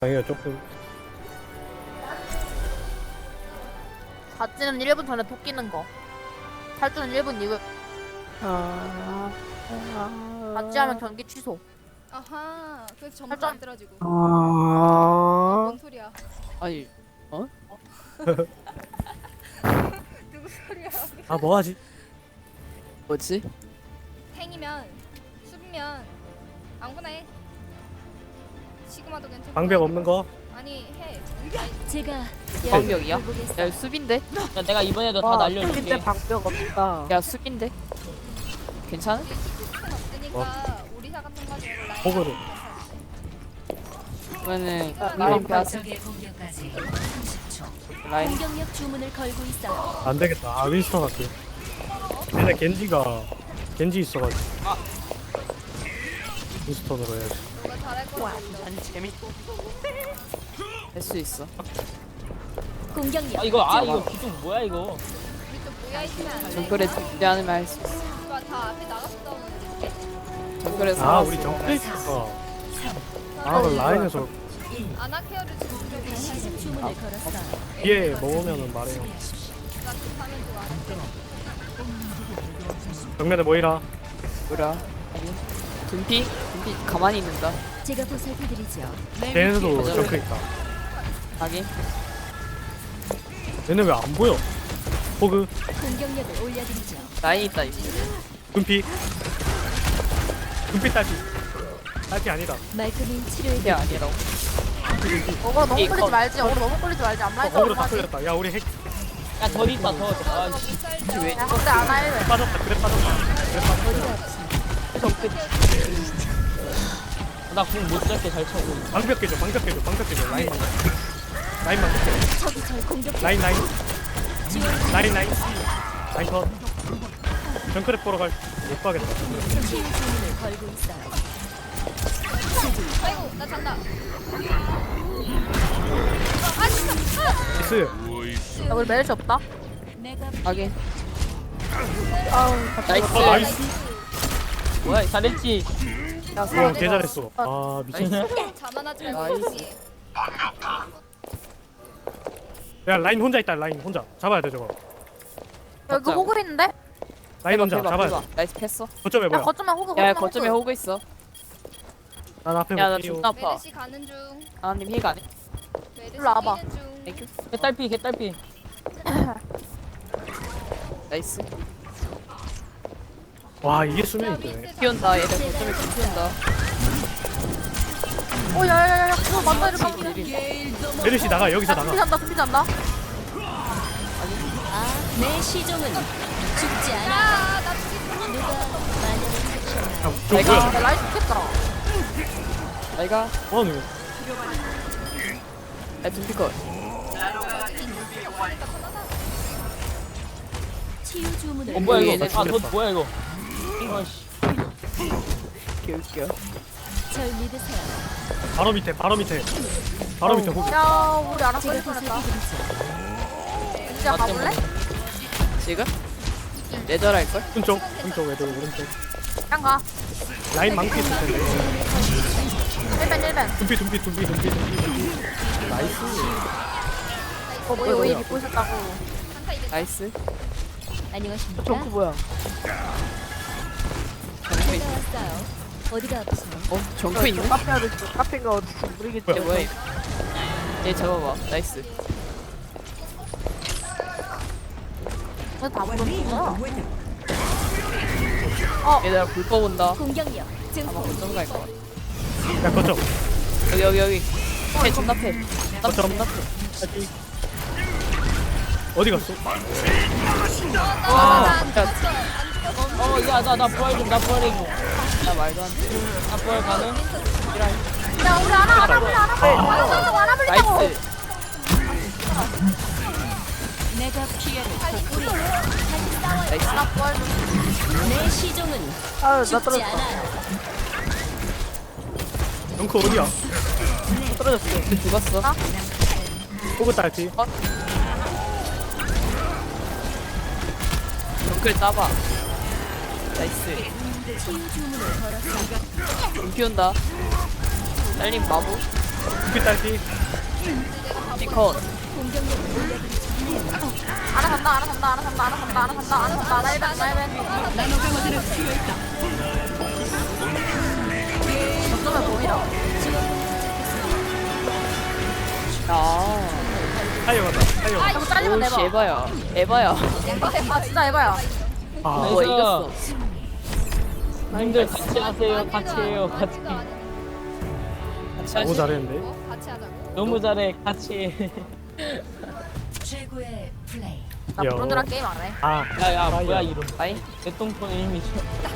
아니요 조금. 갓지는 1분 전에 토끼는 거. 탈주는 1분 이후. 갓지 하면 경기 취소. 아하, 그래서 전부 살짝- 안 떨어지고. 아. 뭔 소리야? 아니 누구 소리야? 아 뭐하지? 뭐지? 탱이면, 수비면 아무거나 해. 시그마도 괜찮고. 방벽 없는 거? 아니 해. 제가 방벽이야? 해보겠어요. 야 수빈데? 야, 내가 이번에도 다 날려줄게. 근데 방벽 없다. 야 수빈데? 괜찮아? 우리 시스템 없으니까 오리사 같은 거 하지 말고 라인. 호그를. 그러면은 라인 이번 패스 적의 공격까지 30초. 라인 공격력 주문을 걸고 있어요. 안 되겠다. 아 윈스턴 할게. 근데 겐지 있어가지고. 윈스턴으로 해야지. 너가 잘할 거 같아. 아니 재밌. 할 수 있어. 공격력. 이거 기둥 뭐야 이거? 우리 또 모여 있으면 안 돼. 정글에 준비하면 할 수 있어. 누가 다 앞에 나가서 싸우는데. 정글에서 아 우리 정글 있어. 아 그 라인에서 아나케어를 지금 시즌 주문을 걸었어요. 뒤에 먹으면은 말해요. 나 급하면 좋아. 정면에 모이라. 뭐라? 둠피 가만히 있는다. 제가 보살펴드리죠. 걔네도 정크 있다. 하긴 얘네 왜 안 보여? 호그, 공격력을 올려드리죠. 라인 있다 이거. 금피. 금피 딸피. 딸피 아니다. 말끔히 치료해. 이게 아니라고. 어그로 너무 이거- 끌리지 말지. 어그로 너무 끌리지 말지. 안 말지. 어그로 다 끌렸다. 야 우리 핵 야더 있다 더. 아, 너 씨. 살자. 왜? 야 근데 안 할래. 빠졌다. 그래 빠졌다. 그래 빠졌다. 나궁 못 잡게 잘 쳐고. 방벽 깨줘. 방벽 깨줘. 방벽 깨줘. 라인만. 라인만 깨줘. 적이 절 공격. 라인. 라인 컷. 정크랩 보러 못 가겠다. 치유 주문을 걸고 있어요. 아이고 나 잔다. 아 진짜. 미스. 야 우리 메르시 없다. 내가 하긴 아 나이스. 나이스. 뭐야 잘했지. 야 오, 서로 개 잘했어. 아 미친. 자만하지 말고. 나이스. 여기. 야 라인 혼자 있다. 라인 혼자 잡아야 돼 저거. 여기 맞자. 호그 있는데? 라인 혼자 대박, 잡아야 대박. 돼. 나이스 패스. 거점에 야 뭐야? 거점에 호그. 야 거점에 호그 있어. 난 앞에 야 나 볼게요. 존나 아파. 메르시 가는 중. 하나님 힐 안 해. 메르시 일로 와봐. 뛰는 중. 땡큐. 개딸피 개딸피. 나이스. 와 이게 수면이 되네. 피온다 얘들 거점에 피온다. 오 야야야야. 그거 맞다 이렇게. 메르시 나가. 여기서 금피 나가. 잔다. 금피 잔다. 내 시종은 죽지 않아. 아나 죽겠어. 누가 마녀를 찾잖아. 야, 저 내가- 뭐야? 야 라인 죽겠다. 내가 뭐하는 야 둠피 컷. 치유 주문을 뭐야 얘네 이거? 죽였다. 아너 뭐야 이거? 아씨. 개웃겨. 절 믿으세요. 바로 밑에. 바로 밑에 호그. 야 우리 알아서 제가 할 뻔했다. 보살펴드리죠. 진짜 가볼래? 지금? 내절 걸? 오른쪽 애들 오른쪽. 그냥 가. 라인 망치 있을 텐데. 1벤. 둠피. 나이스. 뭐야 왜 입고 있었다고. 나이스. 안녕하십니까? 정크 뭐야? 정크 있. 제가 왔어요. 어디가 아프세요? 어 정크 있네. 카페 아저씨 카페인가 어디서 모르겠지. 얘 뭐야? 얘 잡아봐. 나이스. 왜다 부르는구나. 얘들아 불법 온다. 공격력 아마 증폭. 거점 갈 거야. 야 거점. 여기. 패 존나 패. 거점. 존나 패. 어디 갔어? 아, 야, 어야나 부활 좀 나 부활 좀. 나 말도 안 돼. 나 부활 가능? 야 우리 하나 불리자고. 나이스. 내가 피해를 복구리. 나이스. 내 시종은 아나 죽지 떨어졌어. 않아요. 정크 어디야? 떨어졌어. 죽었어. 호그 딸피. 정글 따봐. 나이스. 치유 주문을 걸었어. 둠피 온다. 딸린 마부. 두피 딸피. 피컷. 하나 간다 하나 간다 하나 간다 하나 간다 하나 간다 하나 간다 하나 1벤 하나 1벤 어쩌면 보이라 아. 타이어가다. 타이어. 이거 잘리면 오씨 내봐 에바야. 에바야. 아 진짜 에바야 아, 와 나이스. 이겼어. 님들 같이 하세요. 같이 해요. 같이. 같이 너무 하시. 잘했는데. 같이 하자고. 너무 잘해. 같이 해. 최고의 플레이. 나 브론드랑 게임 안해 아, 야야 타이어. 뭐야 이름. 아이. 내 똥손 이미